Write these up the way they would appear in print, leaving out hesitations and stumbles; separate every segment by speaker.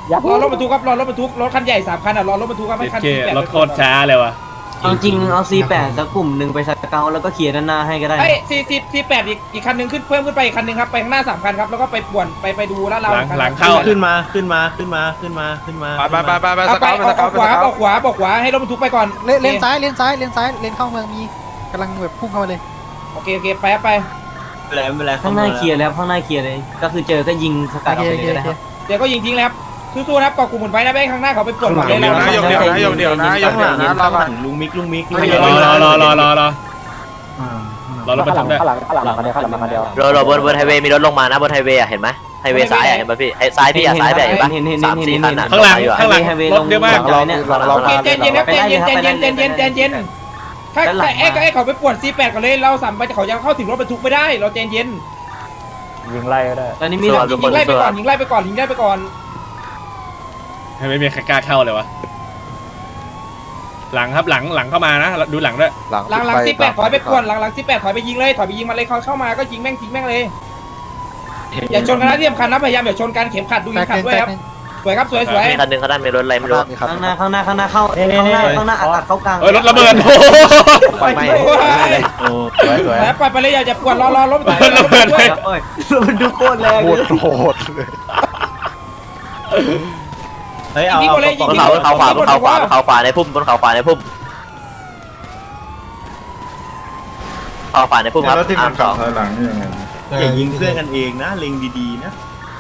Speaker 1: รอรถบรรทุกครับรอรถบรรทุกรถคันใหญ่3 คันอ่ะรอรถบรรทุกครับให้คัน
Speaker 2: รถโคตรช้าเลยวะ
Speaker 3: เอาจริงเอา C8 สักกลุ่มหนึ่งไปสเกาแล้วก็เคลียร์ด้านหน้าให้ก็ได้
Speaker 1: ไอ้48อีกคันหนึ่งขึ้นเพิ่มขึ้นไปอีกคันหนึ่งครับไปข้างหน้า3 คันครับแล้วก็ไปป่วนไปดูแล้วเรา
Speaker 2: หลังเข้า
Speaker 4: ขึ้นมา
Speaker 5: ไปส
Speaker 1: เอา
Speaker 5: เกา
Speaker 1: ออกขวาออกขวาให้รถบรรทุกไปก่อน
Speaker 6: เลนซ้ายเลนเข้าเมืองมีกำลังแบบพุ่งเข้ามาเลย
Speaker 1: โอเคไปไป
Speaker 3: ข้างหน้าเคลียร์แล้วข้างหน้าเคลียร์เลย ก็คือเจอก็ยิงสกัดออกไปเลยก็ได้ครับ
Speaker 1: เดี๋ยวก็ยิงทิ้งเลยครับสู้ๆนะครับกอกกลุ่มหมุนไว้นะไปข้างหน้าเขาไปป่วนหมดเลย
Speaker 5: เดี๋ยวนะยกเดียวนะยกเดียวนะยกเดียวนะรอก่อน
Speaker 4: ลุงมิก
Speaker 2: รอรถบรรทุกด้วย
Speaker 7: เราบนไฮเวย์มีรถลงมานะบนไฮเวย์เห็นไหมไฮเวย์ซ้ายเห็นป่ะพี่ซ้ายพี่ซ้ายแบบเห็นป่ะ3-4 คัน
Speaker 2: ข้างหลังรถเยอะมาก
Speaker 1: โอเคใจเย็นครับใจเย็นถ้าเขาไปป่วน48ก่อนเลยเรา3ไปเขายังเข้าถึงรถบรรทุกไม่ได้เราใจเย็น
Speaker 3: ยิงไล่ก็ได้ตอนนี้มีหลัง
Speaker 1: ยิงไล่ไปก่อนยิงไล่ไปก่อน
Speaker 2: ไม่มีใครกล้าเข้าเลยวะหลังครับหลังเข้ามานะดูหลังด้วย
Speaker 1: หลัง18ถอยไปป่วนหลัง18ถอยไปยิงเลยถอยไปยิงมาเลยเขาเข้ามาก็ยิงแม่งทิ้งแม่งเลยอย่าชนกันนะที่สำคัญนะพยายามอย่าชนกันเข็มขัดดูเข็มขัดด้วยครับสวยครับสวย
Speaker 7: มีคันหนึ่งเขาด้านมีรถอะไรไม่รู้
Speaker 3: ข้างหน้าเข้าข้างหน้าอัดเข้ากลาง
Speaker 2: รถระเบิด
Speaker 1: ไปไปเลยอย่าป่วนรอรถ
Speaker 2: ระเบิดเลย
Speaker 3: มันดูโคตรแรง
Speaker 5: โหดเลย
Speaker 4: เฮ้ยเอา
Speaker 7: บนเขาขวาในพุ่มบนเขาขวาในพุ่มเขาขวาในพุ่มครับ
Speaker 5: แล้วที่มันขับถอยหลังนี่ยังไง
Speaker 4: อย่ายิงเพื่อนกันเองนะเล็งดีๆนะ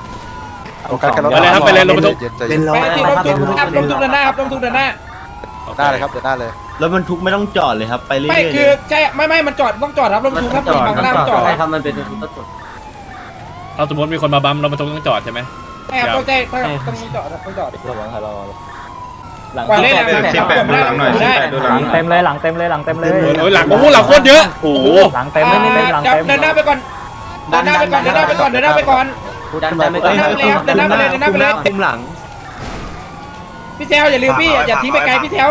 Speaker 2: ไปเลยรถบรรทุก
Speaker 5: เป็นร้อย
Speaker 1: ไปที่รถทุกเดินหน้าครับรถทุกเดินหน้า
Speaker 5: ได้เลยครับเดี๋ยวได้เลย
Speaker 4: แล้วมันทุกไม่ต้องจอดเลยครับไปเรื่อยๆ
Speaker 1: ไม่คือใช่ไม่มันจอดต้องจอดครับรถบรรทุกครับฝั่งหน้าจอด
Speaker 3: ใช่ครับมันเป็นต้นจุด
Speaker 2: เราสมมติมีคนมาบัมรถบรรทุกต้องจอดใช่ไหม
Speaker 1: ใช่ครับต้องจอดต้องจอด
Speaker 3: หลัง
Speaker 1: กว่าเล่น
Speaker 5: 18ดูหลังหน่อย18ดูหลัง
Speaker 3: เต็มเลยหลังเต็มเลย
Speaker 2: โอ้ยหลังโคตรเยอะโอ้โห
Speaker 3: หลังเต็มไม่เต็มหลังเต็ม
Speaker 1: เดินหน้าไปก่อนเดินหน้าไปก่อน
Speaker 3: ดันไปเลยคุมหลัง
Speaker 1: พี่เซลอย่าลืมพี่อย่าทิ้งไปไกลพี่เซล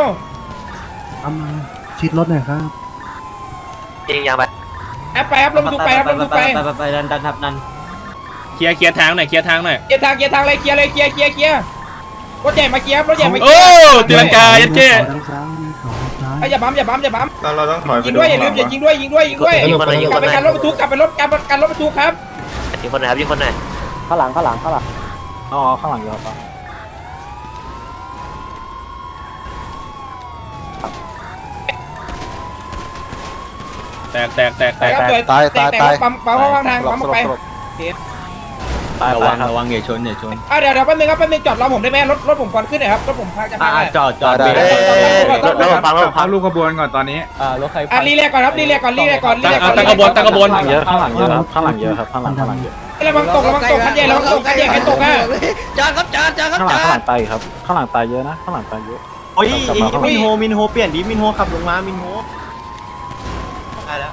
Speaker 6: ชิดรถหน่อยครับ
Speaker 7: ยิงยางไป
Speaker 1: แอปไปครับรถบรรทุกไปครับรถบรรทุกไป
Speaker 3: ไปดันทับดัน
Speaker 2: เคลียร์ทางหน่อย
Speaker 1: เกียร์ทางเลยเคลียร์รถใหญ่มาเคลียร์รถใหญ่มาเคลี
Speaker 2: โอ้
Speaker 1: ยร์
Speaker 2: ตีลังกายัดเจ้
Speaker 1: อย่าบั๊ม
Speaker 5: เราต้องถอยไป
Speaker 1: ยิงด้วยอย่าลืมอย่ายิงด้วยกลับไปกันรถบรรทุกกลับไปกันรถบรรทุกครับ
Speaker 7: ยิงคนไหนครับยิงคนไหน
Speaker 3: ข้างหลังอ๋อข้างหลังเยอะครับ
Speaker 2: แตก
Speaker 1: ปั๊มวางทางปั๊มไป
Speaker 4: ระวังอย่าชน
Speaker 1: เดี๋ยวแป๊บนึงจอดรอผมได้ไหมรถผมก่อนขึ้นหน่อยครับรถผมพาจะพา
Speaker 4: จอด
Speaker 7: รถฟัง
Speaker 5: พักลูกขบวนก่อนตอนนี้
Speaker 3: รถใคร
Speaker 1: รีเรียกก่อนครับรีเรียกก่อน
Speaker 2: ตั้งขบวน
Speaker 3: เยอะข้างหลังเยอะครับข้างหลังเยอะครับข้างหลังเยอะ
Speaker 1: ระวังตกคันใหญ่ใครตกอ่ะ
Speaker 3: ข้างหลังตายครับข้างหลังตายเยอะนะข้างหลังตายเยอะ
Speaker 4: โอ้ยมินโฮเปลี่ยนดิมินโฮขับลงมามินโฮได้แล้ว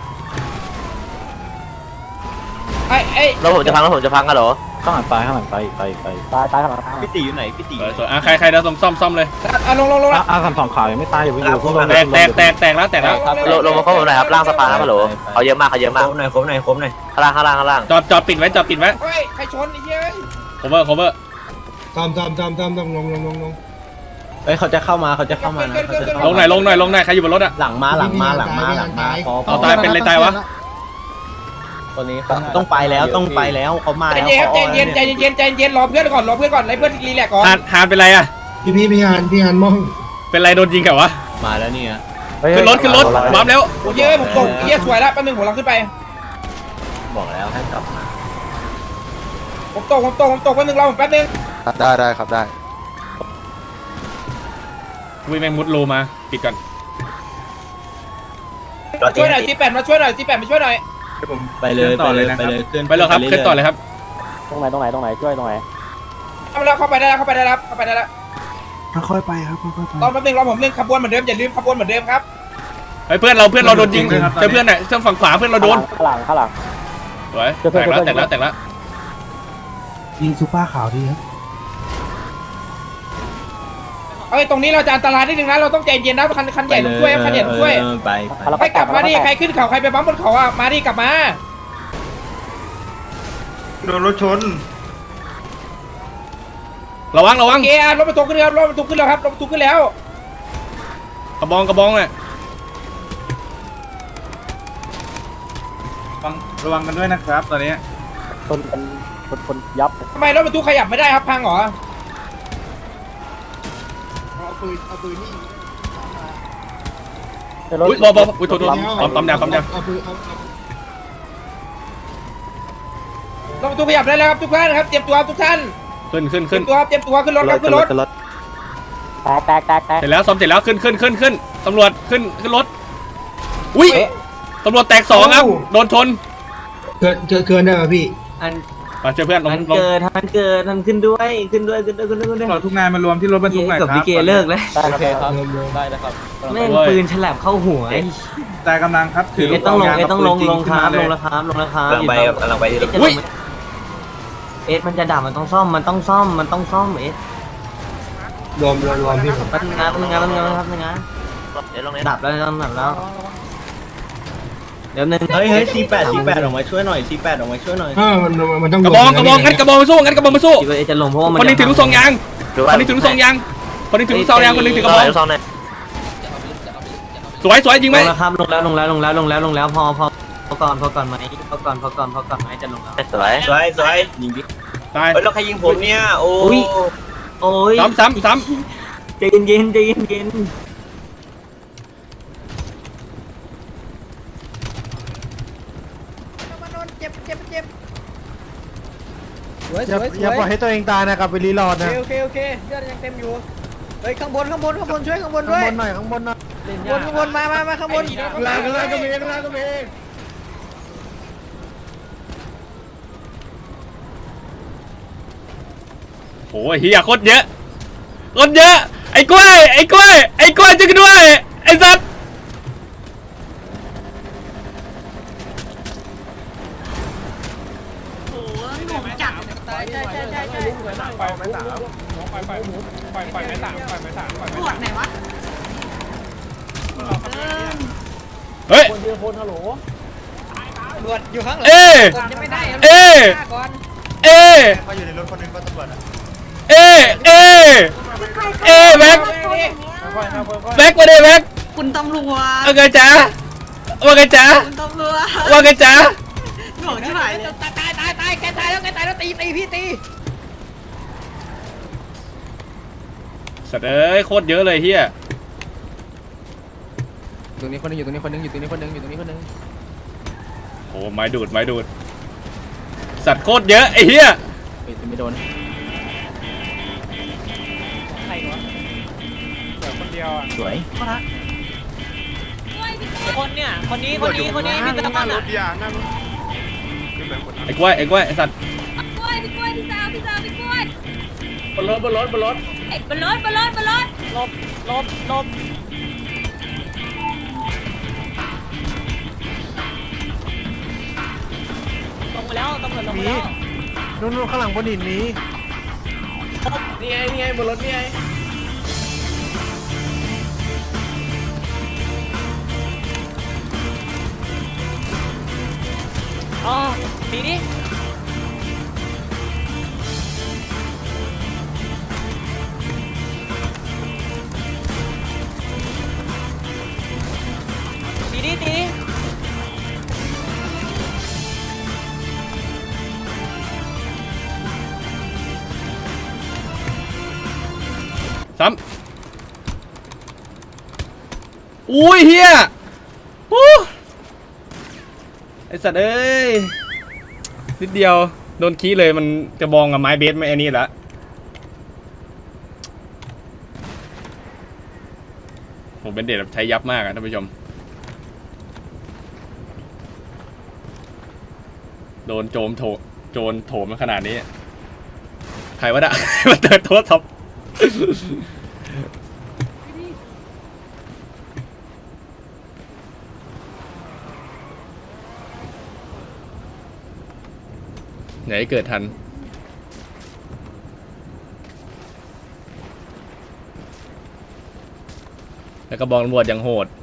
Speaker 1: แล้ว
Speaker 7: ผมจะพังกันเหรอ
Speaker 3: ข้างหลังตายข้างหลังตายข้างหลัง
Speaker 4: พี่ตีอยู่ไหนพี่ตี
Speaker 2: สวยใครเดี๋ยวซ่อมเลย
Speaker 1: ลง
Speaker 3: คันสองขาวยังไม่ตายอยู่อยู่
Speaker 2: แตกแล้ว
Speaker 7: ลงมาข้างบนหน่อยครับล่างสะพานครับเหรอเขาเยอะมาก
Speaker 4: ครบหน่อยข้
Speaker 7: ข้างล่าง
Speaker 2: จอดปิดไว้
Speaker 1: เฮ้ยใครชนไอ้เหี้ย
Speaker 2: cover
Speaker 5: ตามลง
Speaker 4: เอ้ยเขาจะเข้ามานะ
Speaker 2: ลงหน่อยใครอยู่บนรถอะ
Speaker 4: หลังมา
Speaker 2: เอาตายเป็นอะไรตายวะ
Speaker 3: ตัวนี้
Speaker 4: ต้องไปแล้วเขามา
Speaker 1: ใจ
Speaker 4: แล้ว
Speaker 1: เย็นรอเพื่อนก่อนให้เพื่อนรีแลกก่อน
Speaker 2: ฮานเป็นไรอะ
Speaker 5: พี่ฮานมอง
Speaker 2: เป็นไรโดนยิงแกวะ
Speaker 4: มาแล้วเนี่ย
Speaker 2: ขึ้นรถบัมแล้ว
Speaker 1: โอ้ยผมตกเหี้ยสวยแล้วแป๊บนึงผมลองขึ้นไป
Speaker 4: บอกแล้วให้กลับมา
Speaker 1: ผมตกแป๊บนึงรอผมแป๊บนึง
Speaker 5: ได้ครับได้
Speaker 2: วิ่งแมงมุดโลมาปิดก่อน
Speaker 1: ช่วยหน่อย18มาช่วยหน่อยมาช่วยหน่อย
Speaker 4: ไปเลยขึ้น
Speaker 2: ไปเลยครับขึ้นต่อเลยครับ
Speaker 3: ตรงไหนช่วยตรงไหน
Speaker 1: เข้าไปได้แล้ว
Speaker 6: ค่อยๆไปครับค่อยๆไป
Speaker 1: รอแป๊บนึงรอผมเรื่องขบวนเหมือนเดิมอย่าลืมขบวนเหมือนเดิมครับ
Speaker 2: เพื่อนเราโดนยิงเพื่อนเนี่ยเครื่องฝั่งขวาเพื่อนเราโดน
Speaker 3: ข้างหลัง
Speaker 2: สวยแตกแล้ว
Speaker 6: ยิงซูเปอร์ขาวดีครับ
Speaker 1: เอ้ยตรงนี้เราจะอันตรายนิดนึงนะเราต้องใจเย็นนะคันใหญ่ต้องช่วยคันใหญ่ต้องช่วย
Speaker 4: ไป
Speaker 1: ให้กลับมาดิใครขึ้นเขาใครไปปั๊มบนเขาอ่ะมาดิกลับมา
Speaker 5: โดนรถชน
Speaker 2: ระวัง
Speaker 1: โอเครถบรรทุกขึ้นแล้วรถบรรทุกขึ้นแล้วครับรถบรรทุกขึ้นแล้ว
Speaker 2: กระบองเลย
Speaker 5: ระวังกันด้วยนะครับตอนนี้
Speaker 1: ทำไมรถบรรทุกขยับไม่ได้ครับพังเหรอ
Speaker 2: อุ้ยบออุ้ยโทษปั๊มยา
Speaker 1: รถบรรทุกขยับได้แล้วครับทุกท่านครับเตรียมตัวทุกท่าน
Speaker 2: ขึ้น
Speaker 1: เตรียมตัวขึ้นรถครับขึ้นรถ
Speaker 2: เสร็จแล้วซ้อมเสร็จแล้วขึ้นตำรวจขึ้นรถอุ้ยตำรวจแตก2ครับโดนชน
Speaker 5: เกินได้ป่ะพี่
Speaker 3: อัน
Speaker 2: มาเจอเพื่อนลง
Speaker 3: มันเกิดมันขึ้นด้วย
Speaker 5: เราทุกงานมารวมที่รถบรรทุกหน่อย
Speaker 3: กับ
Speaker 5: ครั
Speaker 3: พี่
Speaker 5: บ
Speaker 3: เกเลิกแล้ว
Speaker 5: โอเคครับ
Speaker 3: แม่งปืนฉลับเข้าหัว
Speaker 5: แต่กำลังครับถือ
Speaker 3: ต้องลงครับลงแล้วครับ
Speaker 7: กำลังไปที่รถ
Speaker 2: อุ้ย
Speaker 3: เอสมันจะดับมันต้องซ่อมเอส
Speaker 5: รวมพี่ผม
Speaker 3: มันงานครับงาน
Speaker 7: เดี๋ยวลงนี้
Speaker 3: ดับแล้วเดี๋ยวนึง
Speaker 4: เฮ้ยC8 ออกมาช่วยหน่อยC8 ออกมาช่วยหน่อย
Speaker 5: มันต้อง
Speaker 2: กระบองงั้นกระบองมาสู้
Speaker 3: คิดว่าเอสจะลงเพราะว่ามัน
Speaker 2: คนนึงถือลูกซองยางคนนึงถือลูกซองยางคนนึงถือกระบอง
Speaker 7: ซองเนี่ย
Speaker 2: สวยยิงไหม
Speaker 3: ลงแล้วครับลงแล้วพอก่อนไหมจะลงแล้ว
Speaker 7: สวย
Speaker 4: สวยยิงดิ
Speaker 2: ตาย
Speaker 4: เฮ้ยแล้วใครยิงผมเนี่ยโอ้
Speaker 3: โอ้ย
Speaker 2: ซ้ำ
Speaker 3: ใจเย็น
Speaker 6: อย่าปล่อยให้ตัวเองตายนะครับไปรีโหลดนะ
Speaker 1: โอเคเลือดยังเต็มอยู่เฮ้ยข้างบนช่วยข้างบนด้วย
Speaker 6: ข้างบนหน่อย
Speaker 1: ข้างบนมาข้างบน
Speaker 5: ล่างก็มี
Speaker 2: โอ้ยเฮียโคตรเยอะไอ้กล้วยช่วยกันด้วยไอ้สัตว์เฮ้ย
Speaker 1: ตำรวจอยู่ข้างหลัง
Speaker 2: เอ้ย
Speaker 1: กดยังไม่ได้
Speaker 2: เอ้ย
Speaker 1: ก่อน
Speaker 4: เขาอยู่ในรถคนนึงก็ตำรวจ
Speaker 2: แบ็คมาดิแบ็ค
Speaker 8: คุณตำรวจ
Speaker 2: ว่าไงจ๊ะ
Speaker 8: คุณตำรวจ
Speaker 2: ว่าไงจ๊ะ
Speaker 8: หลงที่ไหนเนี่ย
Speaker 1: ตายแกตายแล้วตีพี่ตี
Speaker 2: สัตว์เอ้ยโคตรเยอะเลยเฮีย
Speaker 6: ตรงนี้คนนึงอยู่ตรงนี้คนนึง
Speaker 2: โอ้ไม้ดูดสัตว์โคตรเยอะไอ้เฮีย
Speaker 6: ไม่โดน
Speaker 1: ใครวะเดี๋ยวคนเดียวอ่ะ
Speaker 3: สวย
Speaker 8: คนเนี่ยคนนี้พี่ตะมันอ่ะ
Speaker 2: ไอ้กล้วยไอ้สัตว์
Speaker 8: พี่กล้วยพี่สาวพี่กล้วย
Speaker 2: บนรถ
Speaker 8: บนรถหลบลงมาแล้วตำรวจลงมาแล้ว
Speaker 6: นู่นข้างหลังบนหินนี้
Speaker 1: นี่ไงบนรถนี่ไง
Speaker 8: อ๋อดีดิ
Speaker 2: ซ้ำอุ้ยเฮียไอ้สัตว์เอ้ยนิดเดียวโดนขี้เลยมันกระบองกับไม้เบสไม่อันนี้ละผมเป็นเด็กแบบใช้ยับมากอะท่านผู้ชมโดนโจรโถมมาขนาดนี้ใครวะน่ะ มาเติร์ดโทษท็อปไหนเกิดทันแล้วก็บองตำรวจยังโหด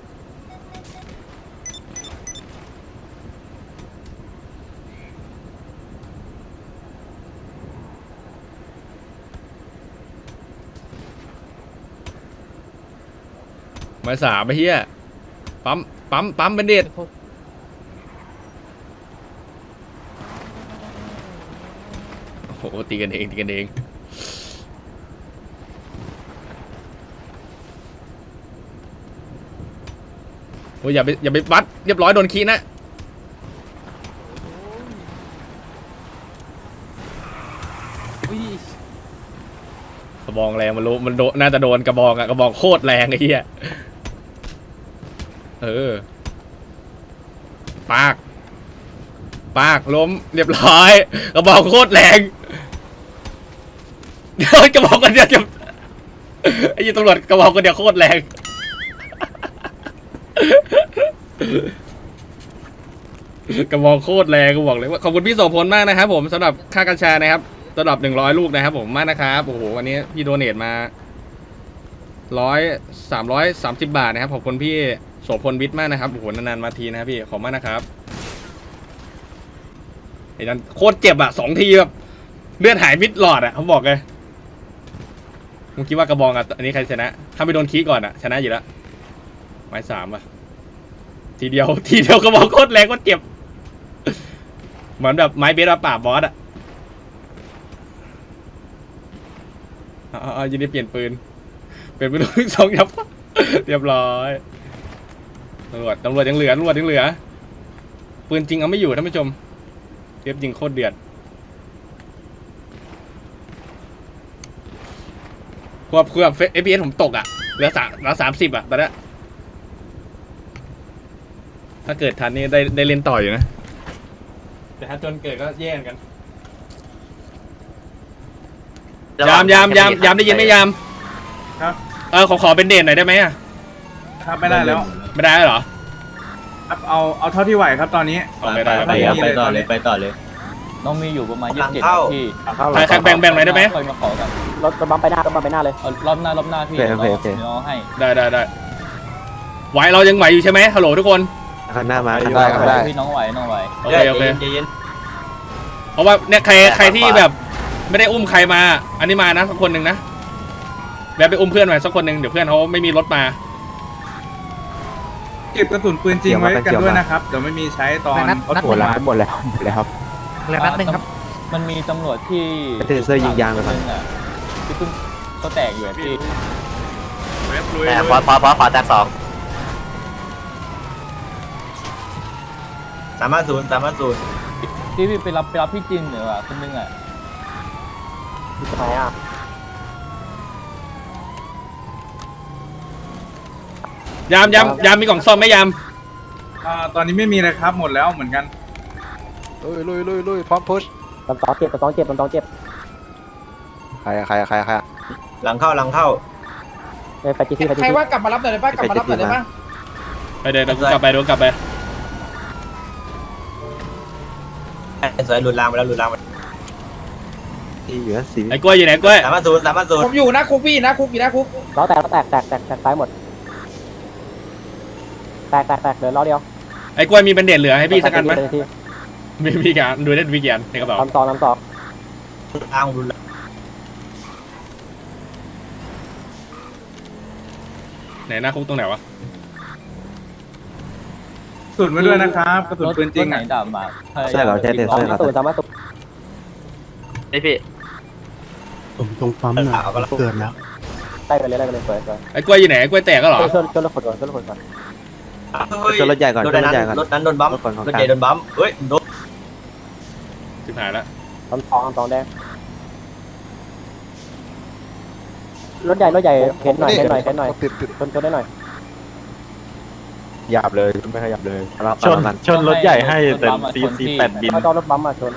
Speaker 2: ไม้3ไปเฮียปั๊มเป็นเด็ดโอ้โหตีกันเองโอ้ยอย่าไปวัดเรียบร้อยโดนขี้นะกระบองแรงมันรู้มันน่าจะโดนกระบองอะกระบองโคตรแรงไอ้เหี้ยปากล้มเรียบร้อยกระบองโคตรแรงเดี๋ยวกระบองกันเดียวจะไอ้ยี่ตำรวจกระบองกันเดียวโคตรแรงกระบองโคตรแรงกูบอกเลยว่าขอบคุณพี่โสพลมากนะครับผมสำหรับค่ากัญชานะครับสำหรับ100 ลูกนะครับผมมากนะครับโอ้โหวันนี้พี่โดเนทมา330 บาทนะครับขอบคุณพี่โสพลวิทย์มากนะครับโอ้โหนานๆมาทีนะครับพี่ขอบมากนะครับไอ้นั่นโคตรเจ็บอ่ะ2 ทีแบบเลือดหายมิดหลอดอ่ะเขาบอกเลยมึงคิดว่ากระบองอ่ะอันนี้ใครชนะถ้าไม่โดนขี้ก่อนอ่ะชนะอยู่แล้วไม้3อ่ะทีเดียวกระบองโคตรแรงโคตรเจ็บเหมือนแบบไม้เบสมาปราบบอสอ่ะยินดีเปลี่ยนปืนลูก2 ยับเรียบร้อยตำรวจยังเหลือปืนจริงเอาไม่อยู่ท่านผู้ชมเทียบยิงโคตรเดือดควบFPS ผมตกอ่ะเหลือ30อ่ะตอนนี้ถ้าเกิดทันนี่ได้เล่นต่ออยู่นะแต่ถ้าจนเกิดก็แย่งกันยามได้ยินไหมยาม
Speaker 5: ครับ
Speaker 2: ขอเป็นเด่นหน่อยได้ไหมอ่ะ
Speaker 5: ครับไม่ได้แล้ว
Speaker 2: ไม่ได้เหรอ
Speaker 5: ครับเอาเท่าที่ไหวครับตอนนี้
Speaker 2: ไม่ได้
Speaker 4: ไปต่อเลย
Speaker 3: น้องมีอยู่ประมาณ
Speaker 4: หลัง
Speaker 3: 27
Speaker 4: เข้า
Speaker 3: พี่
Speaker 2: ใครแบ่งหน่อยได้ไหม
Speaker 3: ค่อยมาขอกัน
Speaker 6: รถบัมไปหน้าเลย
Speaker 3: รอบหน้าพี่เดี๋ยวน้องให้
Speaker 2: ได้ไหวเรายังไหวอยู่ใช่ไหมฮัลโหลทุกคน
Speaker 9: ข้างหน้ามา
Speaker 3: ได้พี่น้องไหว
Speaker 2: โอเคเพราะว่าเนี่ยใครที่แบบไม่ได้อุ้มใครมาอันนี้มานะสักคนหนึ่งนะแล้วไปอุ้มเพื่อนมาสักคนหนึ่งเดี๋ยวเพื่อนเขาไม่มีรถมา
Speaker 5: เก็บกระสุนปืนจริงไว้กันด้วยนะครับเดี๋ยวไม่มีใช้ตอนเขาถูกมา
Speaker 9: หมดแล้วครับ
Speaker 6: เหลือนัดหนึ่งครับ
Speaker 3: มันมีตำรวจที่
Speaker 9: เทเซอร์ยิงยางเลยครับ
Speaker 3: ที่เพิ่งเขาแตกอยู่พี่
Speaker 7: แต่พอแตก2
Speaker 4: 350
Speaker 3: ที่พี่ไปรับพี่จินหรือว่าคนนึงอ่ะ
Speaker 6: ไหนอ่ะ
Speaker 2: ยามมีกล่องซ่อมไหมยาม
Speaker 5: ตอนนี้ไม่มีเลยครับหมดแล้วเหมือนกัน
Speaker 6: ลุยพร้อมพุชตำสองเจ็บ
Speaker 9: ใคร
Speaker 4: หลังเข้า
Speaker 6: ไฟจีที่
Speaker 1: ใครว่ากลับมารับหน่อยได้ป่ะกลับมารับหน่อยได้ป่ะ
Speaker 2: ไปเดี๋ยวกูกลับไป
Speaker 4: สวยหลุดรางไปแล้ว
Speaker 9: ที่อยู่นั่นสี
Speaker 2: ไอ้กล้วยอยู่ไหนกล้วย
Speaker 4: 350
Speaker 1: ผมอยู่หน้าคุกพี่หน้าคุกอยู่หน้าคุก
Speaker 6: ล้อแตกซ้ายหมดแตกเหลือล้อเดียว
Speaker 2: ไอ้กล้วยมีเป็นเด่นเหลือให้พี่สักอันไหมมีการดูได้วิกยันในกระเป๋า
Speaker 6: น้ำต่อ
Speaker 4: ทางรุนแรง
Speaker 2: ไหนหน้าคุกตรงไหนวะ
Speaker 5: กระสุนไว้ด้วยนะครับกระสุนปืนจริง
Speaker 3: ไหน
Speaker 5: อ่ะ
Speaker 3: ด่ามา
Speaker 9: ใช่เหรอใช่เทเซอร์ครับ
Speaker 7: ไอพี่
Speaker 5: ผมตรงปั๊มน่ะเกิดแล้ว
Speaker 6: ได้ไปเลยสวย
Speaker 2: ไอ้กล้วยอยู่ไหนไอ้กล้วยแตกก็เหรอ
Speaker 6: ชนรถขนก่อน
Speaker 9: ชนรถใหญ่ก่อน
Speaker 4: รถนั้นโดนบัม
Speaker 9: รถก่อนของ
Speaker 4: รถ
Speaker 9: กลา
Speaker 4: ใหญ่
Speaker 9: ง
Speaker 4: โดนบัมเฮ้ยโดน
Speaker 2: ชิบหายแล้ว
Speaker 6: น้ำสองแดงรถใหญ่เข็นหน่อยชนได้หน่อย
Speaker 9: หยาบเลยไม่ขยับเลย
Speaker 3: ชนรถใหญ่ให้แต่
Speaker 9: CC8 บิน
Speaker 6: เอารถบัมมาชน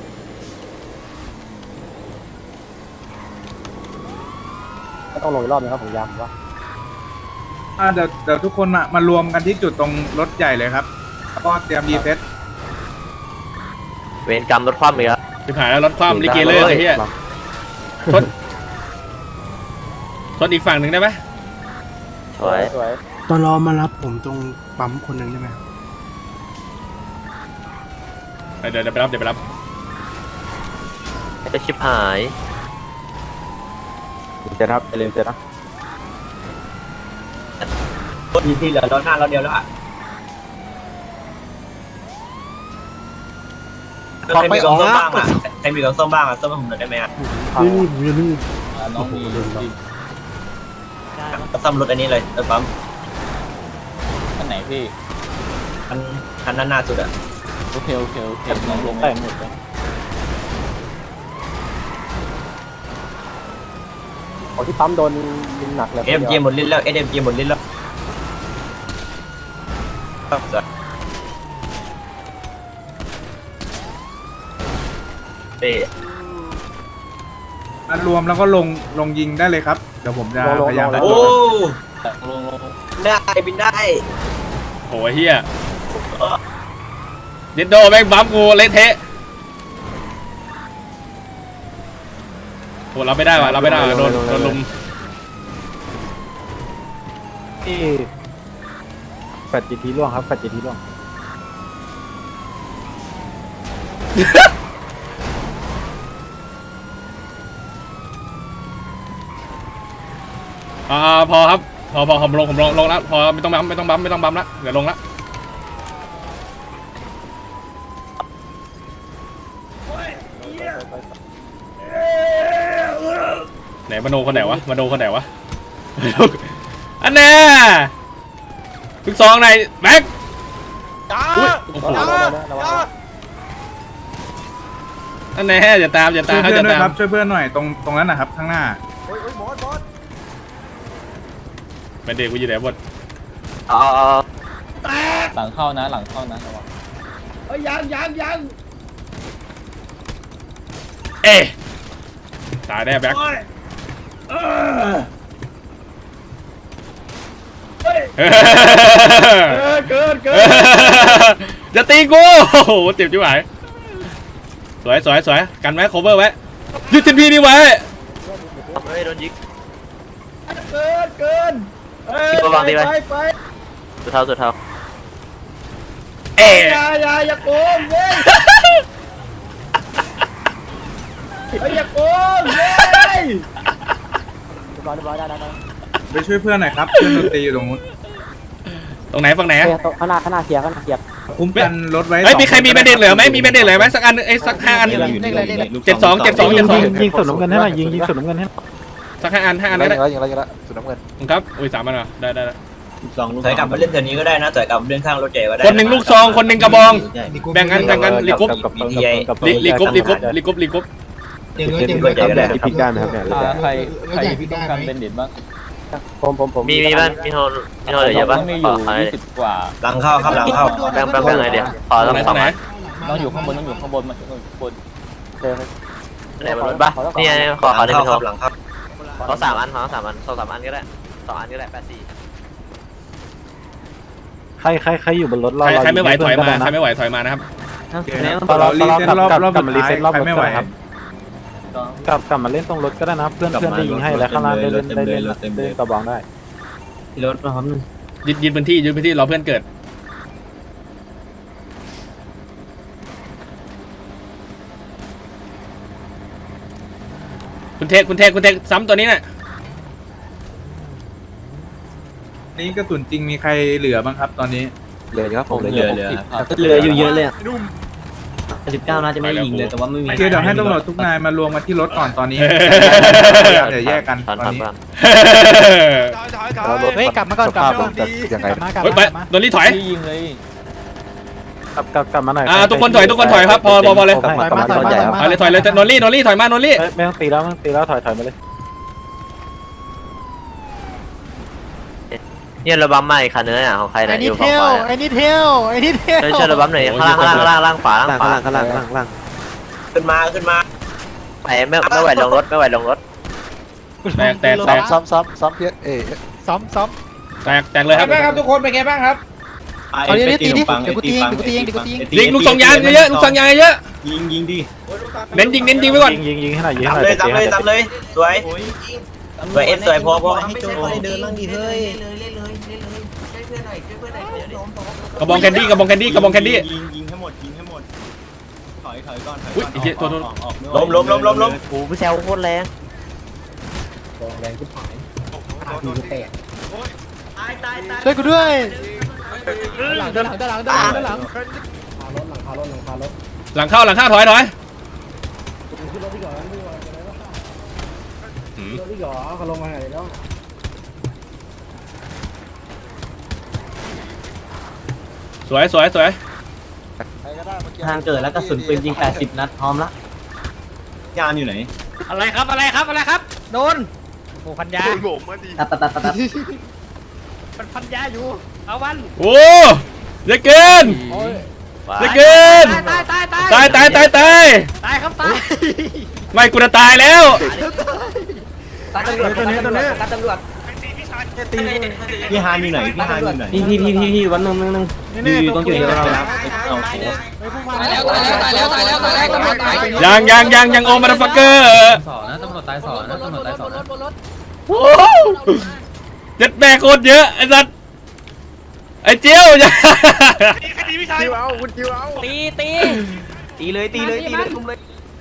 Speaker 6: ไม่ต้องลงอีกรอบนึงครับผมย้ำว่า
Speaker 5: เดี๋ยวทุกคนมารวมกันที่จุดตรงรถใหญ่เลยครับแล้วก็เตรียมดีเฟส
Speaker 7: เวรกรรมรถคว่ำอีกแล้ว
Speaker 2: ชิบหายแล้วรถคว่ำลิเกเลยไอ้เหี้ยชนอีกฝั่งหนึ่งได้ไหม
Speaker 7: สวย
Speaker 5: ตอนรอมารับผมตรงปั๊มคนหนึ่งได้ไหม
Speaker 2: เดี๋ยวไปรับ
Speaker 7: จะชิบหาย
Speaker 9: จะรับเล่นเสร็จนะ
Speaker 3: ที่เหลือรถหน้าเราเดียวแล้วอ่ะใครมีกล่องส้มบ้างอ่ะใครมีกล่องส้มบ้างอ่ะส้มให้ผมหน่อยได้ไหมอ่ะ
Speaker 8: น้องมี
Speaker 3: ส้มรถอันนี้เลยรถปั๊ม
Speaker 8: อันไหนพี่
Speaker 3: คันนั้นหน้าสุดอ่ะ
Speaker 8: โอเคน้องลงแต่งหมดเลย
Speaker 6: โอ้ที่ปั๊มโดนยิงหนักเลย
Speaker 3: SMG หมดลิ้นแล้ว SMG หมดลิ้นแล้วเอ๊ะ
Speaker 5: รวมแล้วก็ลงยิงได้เลยครับเดี๋ยวผมจะพยายาม
Speaker 3: โอ้
Speaker 8: ลง
Speaker 3: ได้บินได้
Speaker 2: โอ้ยเฮียเดดโดแม่งบัมกูเละเทะโหเราไม่ได้ว่ะเราไม่ได้ว่ะโดนลุม
Speaker 9: ที่แฟดจีทีล่วงครับแฟดจีทีล่วง
Speaker 2: พอครับพอผมลงแล้วพอไม่ต้องบัมละเดี๋ยวลงละไหนมโนคนไหนวะอันน่ะทุกซองไหนแบ็คอุ้ยโอ้โหอันแน่อย่าตาม
Speaker 5: ช่วย
Speaker 2: เขา
Speaker 5: เพื่อน
Speaker 2: จะ
Speaker 5: ด้วย
Speaker 2: ตาม
Speaker 5: ครับช่วยเพื่อนหน่อยตรงนั้นนะครับข้างหน้า
Speaker 2: เป็นเด็กกูอยู่ไหนหมด
Speaker 8: หลังเข้านะระวัง
Speaker 2: เอ๊ะตายแน่แบ็คเกินอย่าตีกูโอ้โหเจ็บจิ๋วหายสวยกันไว้โคเวอร์ไว้ยึดทีพีนี่ไว้
Speaker 7: เฮ้ยโดนยิง
Speaker 1: เกิน
Speaker 7: ตัววางดีไหมสุดเท้า
Speaker 2: เอ๊ะ
Speaker 1: อย่าโกงเว้ยอย่าโกงเว้ย
Speaker 6: เรียบร้อยได้
Speaker 5: ไปช่วยเพื่อนหน่อยครับเพื่อนดนตรีอยู่ตรงนู้น
Speaker 2: ตรงไหนฝั่งไหน
Speaker 6: ข้างหน้าเคลียร์
Speaker 5: คุ้มกันรถไว้
Speaker 2: เฮ้ยมีใครมีแบนเด็ดเหลือไหมสักอันสัก5 อัน72
Speaker 9: ยิงสุดน้ำเงินให้หน่อยยิงสุดน้ำเงินให้
Speaker 2: สัก5 อันได้
Speaker 9: ยิงแล้วสุดน้ำเงิน
Speaker 2: ครับอุ้ย3 อันเหรอได้
Speaker 3: ถอยกลับมาเล่นแถวนี้ก็ได้นะถอยกลับมาเล่นข้างรถใหญ่ก็ได้
Speaker 2: คนหนึ่งลูกซองคนหนึ่งกระบองแบ่งกันลีกรุ๊ป ลีกรุ๊ป
Speaker 3: รถใหญ่ก็ได้
Speaker 9: พิการนะครับเนี่ย
Speaker 8: ใครต้องการเป็นเด็ดบ้าง
Speaker 6: ผม
Speaker 7: มีบ้านมีโทรเหลือเยอะปะ
Speaker 8: มีอ
Speaker 7: ขอยู่ อะไร
Speaker 8: 20 กว่า
Speaker 3: หลังเข้าครับหลังเข้า
Speaker 7: แบ่งไงเดี๋ยวขอ
Speaker 2: ตร
Speaker 7: ต้อง ง
Speaker 2: ไหน
Speaker 7: สองอัน
Speaker 8: ต้องอยู่ข้างบนมาข้างบน
Speaker 7: ไหนบนรถปะนี่ไงขอได้
Speaker 3: หลั
Speaker 7: เป็น
Speaker 3: ง
Speaker 7: โทร
Speaker 3: เข้าหลังเข้า
Speaker 7: ขอ3 อัน2 3 อัน2 3 อันก็ได้2 อันก็ได้84
Speaker 9: ใครอยู่บนรถเรา
Speaker 2: ใครไม่ไหวถอยมานะครับ
Speaker 5: เรารีเซ็ตรอบสุดท้ายใครไม่ไหว
Speaker 9: กลับมาเล่นตรงรถก็ได้นะเพื่อนได้ยิงให้แล้วข้างล่างได้เล่นกระบองได้
Speaker 3: รถนะครับ
Speaker 2: ยึดพื้นที่รอเพื่อนเกิดคุณเทคซ้ำตัวนี้น่ะ
Speaker 5: นี่กระสุนจริงมีใครเหลือบ้างครับตอนนี้
Speaker 9: เหลือครับผม
Speaker 3: เหลืออยู่เยอะเลย19น่าจะไม่ยิงเลยแต่ว่าไม่มี
Speaker 5: เดี๋ยวให้ตำรวจทุกนายมารวมกันที่รถก่อนตอนนี้เดี๋ยวแยกกันตอนนี้
Speaker 9: เฮ้ยกลับมาก่อนยังไง
Speaker 2: เฮ้ยไปโดนรีถอย
Speaker 8: ที่ยิงเลย
Speaker 9: กลับมาหน่อย
Speaker 2: ทุกคนถอยครับพอเลย
Speaker 9: กลับมารถใหญ่ครับ
Speaker 2: ถอยเลยโนลี่ถอยมาโนลี่
Speaker 9: ไม่ต้องตีแล้วถอยมาเลย
Speaker 7: เนี่ยระบำใหม่คันเนื้อของใครนะอยู่ฝั่งขวา
Speaker 6: ไอ้นี่เทล
Speaker 7: ช่วยระบำหน่อยข้างล่างขวา
Speaker 9: ข้างล่าง
Speaker 3: ขึ้นมา
Speaker 7: ไม่ไหวลงรถ
Speaker 2: แตก
Speaker 9: ซ้อมเพี้ย
Speaker 2: แตกเลยครับ
Speaker 1: เป็นไงบ้างครับทุกคนเป็นไงบ้างครับ
Speaker 4: เอาดิตีดิเดี๋ยวกูตีเอง
Speaker 2: ลิงลูกซองยางเยอะ
Speaker 4: ยิงดิ
Speaker 2: เน้นยิงไว้ก่อน
Speaker 9: ยิงให้หน่อย
Speaker 3: ตามเลยสวยเอ็มสวยพอ
Speaker 4: เดินบ้างดิเฮ้ย
Speaker 2: กระบองแคนดี้
Speaker 4: ยิงให้หมดยิงให้หมดถอยก่อน
Speaker 2: อุ้ยไอ้เหี้ยโทษ
Speaker 3: ล้ม
Speaker 7: โอ้โหแซวโคตรแรง
Speaker 4: ช่วยกูด้วย
Speaker 2: หลังเข้าถอยหืมสวย
Speaker 3: ทางเกิดแล้วกระสุนปืนยิง80นัดพร้อมละ
Speaker 4: ยามอยู่ไหน
Speaker 1: อะไรครับโดนโอ้พันยา
Speaker 3: ตัด
Speaker 1: มันพันยาอยู่เอาวัน
Speaker 2: โอ้เยอะเกินเยอะเกินตาย
Speaker 1: ตายครับตาย
Speaker 2: ไม่กูจะตายแล้ว
Speaker 1: ตายตำรวจตัวนี้ตายตำรวจ
Speaker 4: พี่ฮานอยู่ไหนพี่ฮานอยู่ไหน
Speaker 3: พี่วันนึงอยู่ตรงจุดที่เราแล้ว
Speaker 1: ตายแล้วตำรวจตาย
Speaker 2: ยังโอมาดฟักเกอร์
Speaker 8: ตำรวจตายสองนะตำรวจตายสองนะ
Speaker 2: เจ็ดแบกโคตรเยอะไอ้สัตว์ไอ้เจียวอย่า
Speaker 3: ตีเลยลุมเลย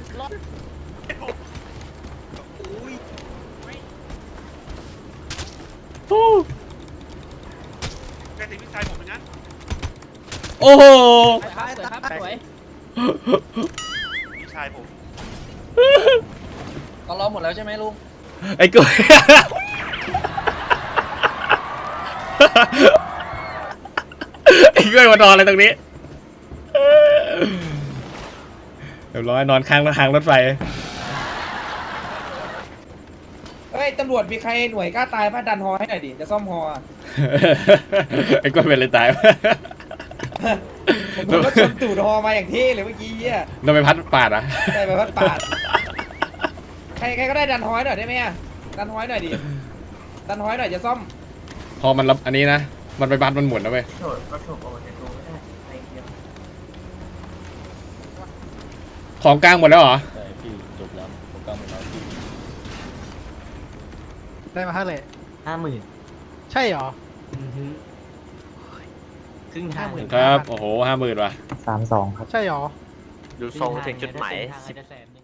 Speaker 2: โอ้โห
Speaker 1: สวยก็ล้อหมดแล้วใช่ไหมลุง
Speaker 2: ไอ้กุ้ยไอ้กุ้ยมานอนอะไรตรงนี้เรียบร้อยนอนข้างรถไฟ
Speaker 1: เฮ้ยตำรวจมีใครหน่วยกล้าตายพาดันฮอให้หน่อยดิจะซ่อมฮอ
Speaker 2: ไอ้กุ้ยเป็นอะไรตาย
Speaker 1: ผมก็ชนตูดฮอมาอย่างเท่เลยเมื่อกี้เหี้ย
Speaker 2: โดนไปพัดปาดอ่ะ
Speaker 1: ได้ไปพัดปาดใครก็ได้ดันฮอให้หน่อยได้ไหมอะดันฮอให้หน่อยดิดันฮอให้หน่อยจะซ่อม
Speaker 2: พอมันรับอันนี้นะมันไปบัดมันหมุนนะเว้ยของกลางหมดแล้วเหรอ
Speaker 8: ใช่พี่จบแล้วผมกำลังเอาพี่
Speaker 4: ได้มาเท่าไหร่
Speaker 3: 50,000
Speaker 4: ใช่เหรอ
Speaker 3: ครึ่งทาง
Speaker 2: ครับโอ้โห50,000ว่ะ
Speaker 6: 32 ครับ
Speaker 4: ใช่เหรอ
Speaker 7: ดูทรงถึงจุดหมาย
Speaker 3: 10